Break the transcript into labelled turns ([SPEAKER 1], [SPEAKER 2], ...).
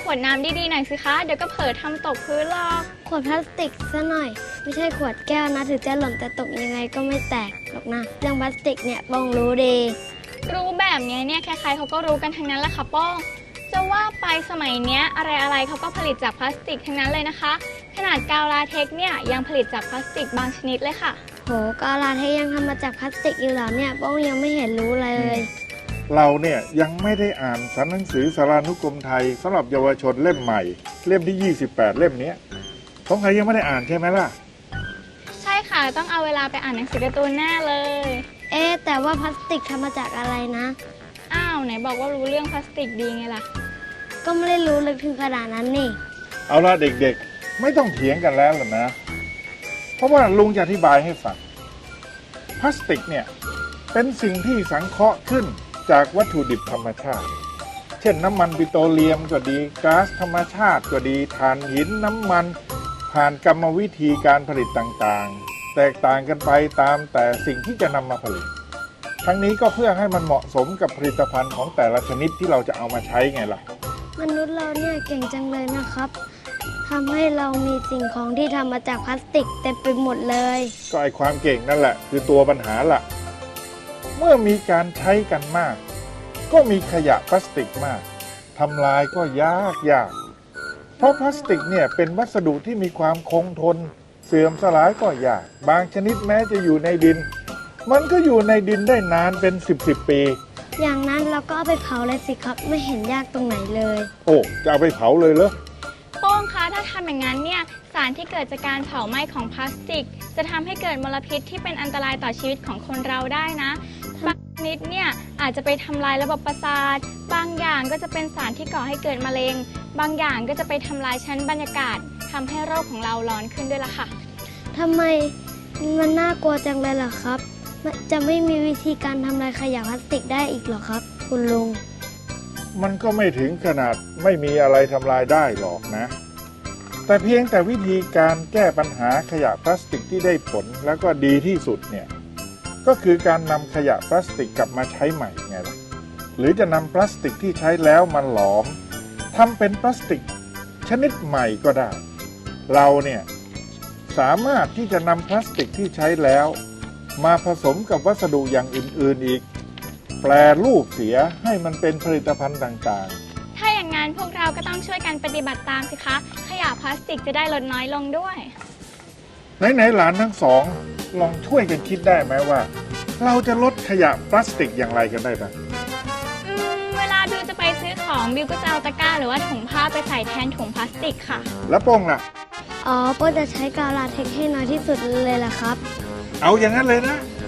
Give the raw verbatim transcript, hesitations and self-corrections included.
[SPEAKER 1] วดน้ำดีๆหน่อยสิคะเดี๋ยวก็เผลอทำตกพื้นหรอก
[SPEAKER 2] ขวดพลาสติกซะหน่อยไม่ใช่ขวดแก้วนะถึงจะหล่นแต่ตกยังไงก็ไม่แตกหรอกนะเรื่องพลาสติกเนี่ยป้องรู้ดี
[SPEAKER 1] รู้แบบนี้เนี่ยใครๆเขาก็รู้กันทั้งนั้นแหละค่ะป้องจะว่าไปสมัยเนี้ยอะไรๆเขาก็ผลิตจากพลาสติกทั้งนั้นเลยนะคะขนาดกาวลาเท็กซ์เนี่ยยังผลิตจากพลาสติกบางชนิดเลยค่ะ
[SPEAKER 2] โหกาวลาเท็กซ์ยังทำมาจากพลาสติกอยู่เหรอเนี่ยป้องยังไม่เห็นรู้เลย
[SPEAKER 3] เราเนี่ยยังไม่ได้อ่านสารหนังสือสารานุกรมไทยสำหรับเยาวชนเล่มใหม่เล่มที่ยี่สิบแปดเล่มนี้สงสัยยังไม่ได้อ่านใช่ไหมล่ะ
[SPEAKER 1] ใช่ค่ะต้องเอาเวลาไปอ่านหนังสือการ์ตูนแน่เลย
[SPEAKER 2] เอ๊แต่ว่าพลาสติกทำมาจากอะไรนะ
[SPEAKER 1] อ้าวไหนบอกว่ารู้เรื่องพลาสติกดีไงล่ะ
[SPEAKER 2] ก็ไม่ได้รู้ลึกถึงขนาดนั้นนี่
[SPEAKER 3] เอาละเด็กๆไม่ต้องเถียงกันแล้วหรอกนะเพราะว่าลุงจะอธิบายให้ฟังพลาสติกเนี่ยเป็นสิ่งที่สังเคราะห์ขึ้นจากวัตถุดิบธรรมชาติเช่นน้ำมันปิโตรเลียมก็ดีก๊าซธรรมชาติก็ดีถ่านหินน้ำมันผ่านกรรมวิธีการผลิตต่างๆแตกต่างกันไปตามแต่สิ่งที่จะนำมาผลิตทั้งนี้ก็เพื่อให้มันเหมาะสมกับผลิตภัณฑ์ของแต่ละชนิดที่เราจะเอามาใช้ไงล่ะ
[SPEAKER 2] มนุษย์เราเนี่ยเก่งจังเลยนะครับทำให้เรามีสิ่งของที่ทำมาจากพลาสติกเต็มไปหมดเลย
[SPEAKER 3] ก็ไอความเก่งนั่นแหละคือตัวปัญหาล่ะเมื่อมีการใช้กันมากก็มีขยะพลาสติกมากทำลายก็ยากยากเพราะพลาสติกเนี่ยเป็นวัสดุที่มีความคงทนเสื่อมสลายก็ยากบางชนิดแม้จะอยู่ในดินมันก็อยู่ในดินได้นานเป็นสิบสิบปี
[SPEAKER 2] อย่างนั้นเราก็เอาไปเผาเลยสิครับไม่เห็นยากตรงไหนเลย
[SPEAKER 3] โอ้จะเอาไปเผาเลยเหรอ
[SPEAKER 1] โป้งคะถ้าทำอย่างนั้นเนี่ยสารที่เกิดจากการเผาไหม้ของพลาสติกจะทำให้เกิดมลพิษที่เป็นอันตรายต่อชีวิตของคนเราได้นะบางชนิดเนี่ยอาจจะไปทำลายระบบประสาทบางอย่างก็จะเป็นสารที่ก่อให้เกิดมะเร็งบางอย่างก็จะไปทำลายชั้นบรรยากาศทำให้โรคของเราร้อนขึ้นด้วยล่ะค่ะ
[SPEAKER 2] ทำไมมันน่ากลัวจังเลยล่ะครับจะไม่มีวิธีการทำลายขยะพลาสติกได้อีกหรอครับคุณลุง
[SPEAKER 3] มันก็ไม่ถึงขนาดไม่มีอะไรทำลายได้หรอกนะแต่เพียงแต่วิธีการแก้ปัญหาขยะพลาสติกที่ได้ผลแล้วก็ดีที่สุดเนี่ยก็คือการนำขยะพลาสติกกลับมาใช้ใหม่ไงล่ะหรือจะนำพลาสติกที่ใช้แล้วมาหลอมทำเป็นพลาสติกชนิดใหม่ก็ได้เราเนี่ยสามารถที่จะนำพลาสติกที่ใช้แล้วมาผสมกับวัสดุอย่างอื่นๆอีกแปรรูปเสียให้มันเป็นผลิตภัณฑ์ต่าง
[SPEAKER 1] ๆถ้าอย่างนั้นพวกเราก็ต้องช่วยกันปฏิบัติตามสิคะขยะพลาสติกจะได้ลดน้อยลงด้วย
[SPEAKER 3] ไหนๆหลานทั้งสองลองช่วยกันคิดได้ไหมว่าเราจะลดขยะพลาสติกอย่างไรกันได้บ้าง
[SPEAKER 1] อืมเวลาบิวจะไปซื้อของบิวก็จะเอาตะกร้าหรือว่าถุงผ้าไปใส่แทนถุงพลาสติกค่ะ
[SPEAKER 3] แล้วโป้งล่ะ
[SPEAKER 2] อ๋อโป้งจะใช้กาวลาเท็กซ์ให้น้อยที่สุดเลยล่ะครับ
[SPEAKER 3] เอาอย่างนั้นเลยนะ